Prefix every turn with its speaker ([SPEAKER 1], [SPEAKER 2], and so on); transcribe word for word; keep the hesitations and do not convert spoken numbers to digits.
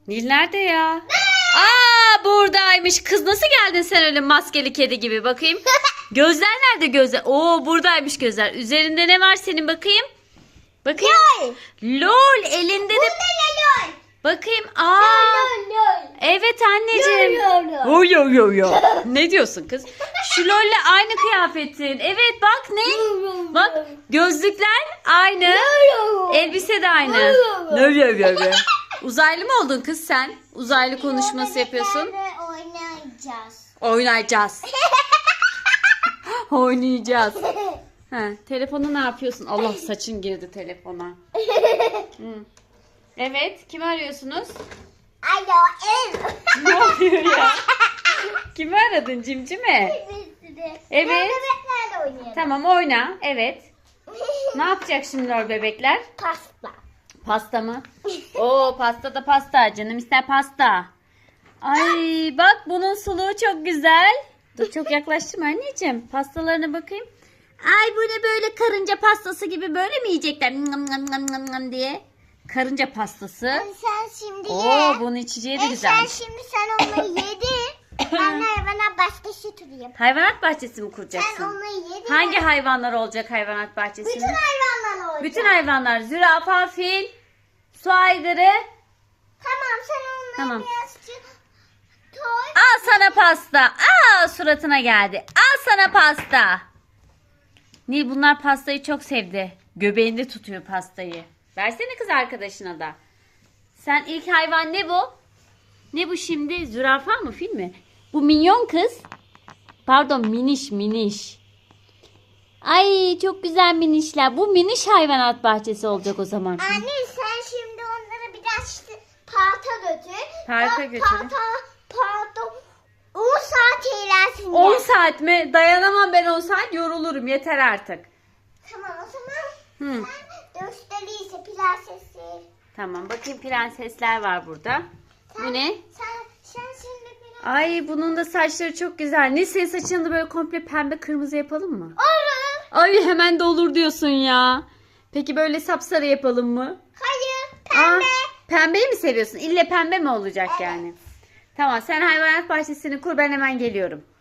[SPEAKER 1] Nil nerede ya? Aa, buradaymış. Kız nasıl geldin sen öyle maskeli kedi gibi, bakayım. Gözler nerede gözler? Oo, buradaymış gözler. Üzerinde ne var senin, bakayım? Bakayım.
[SPEAKER 2] Lol.
[SPEAKER 1] Lol elinde de.
[SPEAKER 2] Lol.
[SPEAKER 1] Bakayım. Aa.
[SPEAKER 2] Lol lol.
[SPEAKER 1] Evet anneciğim.
[SPEAKER 2] Lol lol.
[SPEAKER 1] Yo yo yo yo. Ne diyorsun kız? Şu lolle aynı kıyafetin. Evet bak ne? Bak gözlükler aynı. Elbise de aynı. Yo yo yo yo. Uzaylı mı oldun kız sen? Uzaylı konuşması yapıyorsun.
[SPEAKER 2] Oynayacağız.
[SPEAKER 1] Oynayacağız. Oynayacağız. Ha, telefonu ne yapıyorsun? Allah, saçın girdi telefona. Hı. Evet, kimi arıyorsunuz?
[SPEAKER 2] Alo ev.
[SPEAKER 1] Ne oluyor ya? Kimi aradın, Cimcime? Evet.
[SPEAKER 2] Bebeklerle oynayalım.
[SPEAKER 1] Tamam, oyna. Evet. Ne yapacak şimdi o bebekler?
[SPEAKER 2] Pasta.
[SPEAKER 1] Pasta mı? Oo, pasta da pasta. Canım ister pasta. Ay bak, bunun suluğu çok güzel. Dur, çok yaklaştırma anneciğim. Pastalarına bakayım. Ay bu ne böyle, karınca pastası gibi böyle mi yiyecekler? Ngam ngam ngam ngam ngam diye. Karınca pastası.
[SPEAKER 2] Sen şimdi ye.
[SPEAKER 1] Oo, bunun içeceği de
[SPEAKER 2] E,
[SPEAKER 1] güzel.
[SPEAKER 2] sen şimdi sen onu yedin. Ben hayvana başka tutayım.
[SPEAKER 1] Hayvanat bahçesi mi
[SPEAKER 2] Sen
[SPEAKER 1] kuracaksın?
[SPEAKER 2] onu yedin.
[SPEAKER 1] Hangi hayvanlar olacak hayvanat bahçesinde?
[SPEAKER 2] Bütün hayvanlar olacak.
[SPEAKER 1] Bütün hayvanlar. Zürafa, fil, su aygırı.
[SPEAKER 2] Tamam sen onları
[SPEAKER 1] Tamam.
[SPEAKER 2] birazcık koy.
[SPEAKER 1] Al sana pasta. Aa, suratına geldi. Al sana pasta. Nil bunlar pastayı çok sevdi. Göbeğinde tutuyor pastayı. Versene kız arkadaşına da. Sen ilk hayvan ne bu? Ne bu şimdi? Zürafa mı, fil mi? Bu minyon kız. Pardon, miniş miniş. Ay çok güzel minişler. Bu miniş hayvanat bahçesi olacak o zaman.
[SPEAKER 2] Anne sen şimdi onları biraz parka götür.
[SPEAKER 1] Parka
[SPEAKER 2] Bak,
[SPEAKER 1] götürün.
[SPEAKER 2] Parka, parka on saat eğlensin.
[SPEAKER 1] on saat mi? Dayanamam ben on saat, yorulurum. Yeter artık.
[SPEAKER 2] Tamam o zaman
[SPEAKER 1] Hı.
[SPEAKER 2] sen gösteriyse prensesi.
[SPEAKER 1] Tamam, bakayım, prensesler var burada. Bu ne?
[SPEAKER 2] Sen, sen şimdi biraz...
[SPEAKER 1] Ay bunun da saçları çok güzel. Ne, senin saçını da böyle komple pembe kırmızı yapalım mı?
[SPEAKER 2] Olur.
[SPEAKER 1] Ay hemen de olur diyorsun ya. Peki böyle sapsarı yapalım mı?
[SPEAKER 2] Hayır
[SPEAKER 1] Aa,
[SPEAKER 2] pembe.
[SPEAKER 1] pembeyi mi seviyorsun? İlle pembe mi olacak yani? Tamam, sen hayvanat bahçesini kur, ben hemen geliyorum.